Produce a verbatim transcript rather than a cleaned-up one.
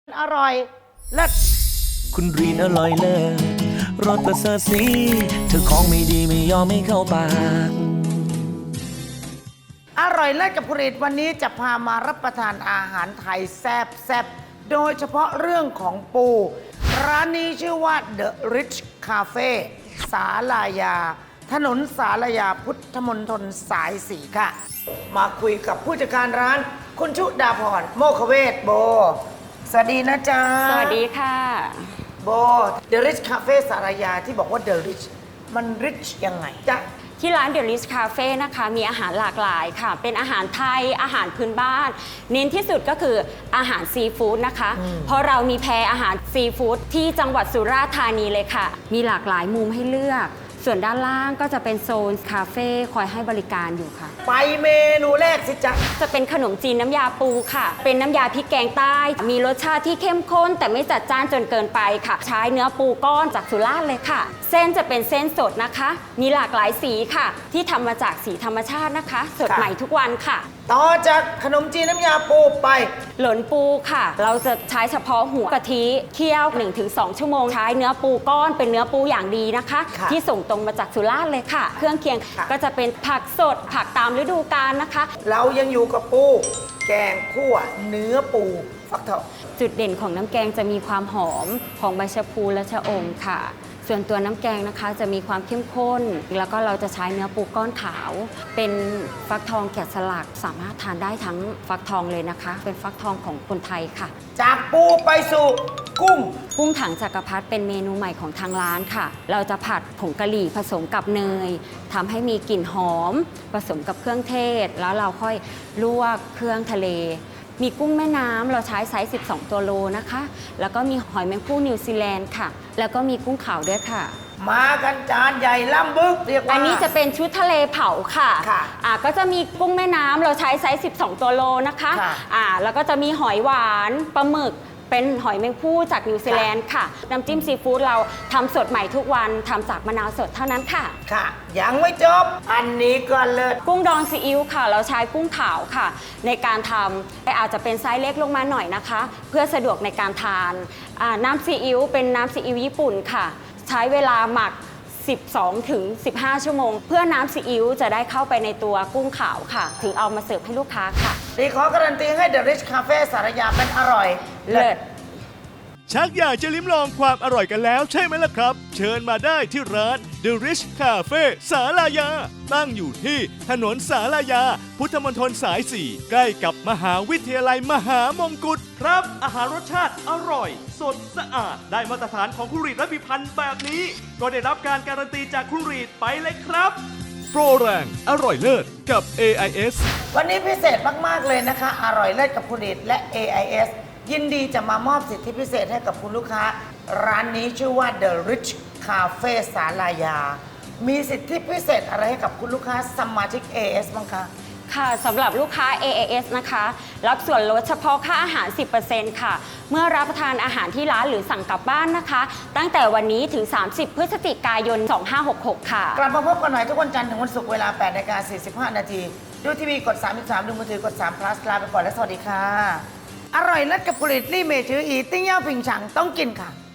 อร่อยเลิศคุณรีนอร่อยเลิศรสประเสริฐสีเธอของไม่ดีไม่ยอมไม่เข้าปากอร่อยเลิศกับผลิตวันนี้จะพามารับประทานอาหารไทยแซ่บแซ่บโดยเฉพาะเรื่องของปู ร้านนี้ชื่อว่า The Rich Cafe สาลายา ถนนสาลายาพุทธมณฑลสายสี่ค่ะ มาคุยกับผู้จัดการร้านคุณชุดาพรโมคเวศโบ สวัสดีนะจ๊ะสวัสดีค่ะโบ The Rich Cafe สาลายาที่บอกว่า The Rich มัน rich ยังไงจ๊ะที่ร้าน The Rich Cafe นะคะมีอาหารหลากหลายค่ะ เป็นอาหารไทยอาหารพื้นบ้าน เน้นที่สุดก็คืออาหารซีฟู้ดนะคะ เพราะเรามีแพรอาหารซีฟู้ดที่จังหวัดสุราษฎร์ธานีเลยค่ะ มีหลากหลายมุมให้เลือก ส่วนด้านล่างก็จะเป็นโซนคาเฟ่คอยให้บริการอยู่ค่ะไปเมนูแรกสิจ๊ะจะเป็นขนมจีนน้ำยาปูค่ะ เป็นน้ำยาพริกแกงใต้ มีรสชาติที่เข้มข้นแต่ไม่จัดจ้านจนเกินไปค่ะ ใช้เนื้อปูก้อนจากสุราษฎร์เลยค่ะ เส้นจะเป็นเส้นสดนะคะ มีหลากหลายสีค่ะ ที่ทำมาจากสีธรรมชาตินะคะ สดค่ะใหม่ทุกวันค่ะต่อจากขนมจีนน้ำยาปูไปหลนปูค่ะ เราจะใช้เฉพาะหัวกะทิเคี่ยว หนึ่งถึงสอง ชั่วโมง ใช้เนื้อปูก้อนเป็นเนื้อปูอย่างดีนะคะค่ะที่ส่งตรงมาจากสุราษฎร์เลยค่ะ เครื่องเคียงค่ะก็จะเป็นผักสดผักตามฤดูกาลนะคะเรายังอยู่กับปู แกงคั่วเนื้อปูฟักทองจุดเด่นของน้ำแกงจะมีความหอมของใบชะพูและชะอมค่ะ ส่วนตัวน้ำแกงนะคะจะมีความเข้มข้น แล้วก็เราจะใช้เนื้อปูก้อนขาว เป็นฟักทองแกะสลักสามารถทานได้ทั้งฟักทองเลยนะคะ เป็นฟักทองของคนไทยค่ะจากปูไปสู่กุ้งกุ้งถังจักรพรรดิเป็นเมนูใหม่ของทางร้านค่ะ เราจะผัดผงกะหรี่ผสมกับเนยทำให้มีกลิ่นหอม ผสมกับเครื่องเทศ แล้วเราค่อยลวกเครื่องทะเล มีกุ้งแม่น้ำเราใช้ไซส์ สิบสอง ตัวโลนะคะ แล้วก็มีหอยแมงภู่นิวซีแลนด์ค่ะ แล้วก็มีกุ้งขาวด้วยค่ะมากันจานใหญ่ล่ำบึกเรียกว่าอันนี้จะเป็นชุดทะเลเผาค่ะค่ะอ่าก็จะมีกุ้งแม่น้ำเราใช้ไซส์ สิบสอง ตัวโลนะคะค่ะอ่าแล้วก็จะมีหอยหวานปลาหมึก เป็นหอยแมงภู่จากนิวซีแลนด์ค่ะ น้ำจิ้มซีฟู้ดเราทำสดใหม่ทุกวันทำจากมะนาวสดเท่านั้นค่ะค่ะ ยังไม่จบ อันนี้ก็เลิศกุ้งดองซีอิ๊วค่ะ เราใช้กุ้งขาวค่ะ ในการทำแต่อาจจะเป็นไซส์เล็กลงมาหน่อยนะคะ เพื่อสะดวกในการทานอ่าน้ำซีอิ๊วเป็นน้ำซีอิ๊วญี่ปุ่นค่ะ ใช้เวลาหมัก สิบสองถึงสิบห้า ชั่วโมง เพื่อน้ำซีอิ๊วจะได้เข้าไปในตัวกุ้งขาวค่ะ ถึงเอามาเสิร์ฟให้ลูกค้าค่ะดีขอการันตีให้ The Rich Cafe สารยาเป็นอร่อยเลิศชักอยากจะลิ้มลองความอร่อยกันแล้วใช่ไหมล่ะครับ เชิญมาได้ที่ร้าน The Rich Cafe สาลายา ตั้งอยู่ที่ถนนสาลายา พุทธมณฑลสาย สี่ ใกล้กับมหาวิทยาลัยมหามงกุฎครับ อาหารรสชาติอร่อย สดสะอาด ได้มาตรฐานของคุณรีดและพิพันธ์แบบนี้ ก็ได้รับการการันตีจากคุณรีดไปเลยครับ โปรแรงอร่อยเลิศกับ เอ ไอ เอสวันนี้พิเศษมาก ๆ เลยนะคะ อร่อยเลิศกับผลิตและ เอ ไอ เอส ยินดีจะมามอบสิทธิพิเศษให้กับคุณลูกค้า ร้านนี้ชื่อว่า The Rich Cafe สาลายา มีสิทธิพิเศษอะไรให้กับคุณลูกค้าสมาชิก เอ เอส บ้างคะค่ะสำหรับลูกค้า เอ เอ เอส นะคะ รับส่วนลดเฉพาะค่าอาหาร สิบเปอร์เซ็นต์ ค่ะ เมื่อรับประทานอาหารที่ร้านหรือสั่งกลับบ้านนะคะ ตั้งแต่วันนี้ถึง สามสิบ พฤศจิกายน สองห้าหกหก ค่ะกลับมาพบกันใหม่ทุกวันจันทร์ถึงวันศุกร์เวลา แปดนาฬิกาสี่สิบห้า นาที ดูทีวีกด สามสิบสาม ดูมือถือกดสาม plus ลาไปก่อนและสวัสดีค่ะ อร่อยเลิศกับผลิตลี่เมจืออีติ้งเย่าผิงฉังต้องกินค่ะ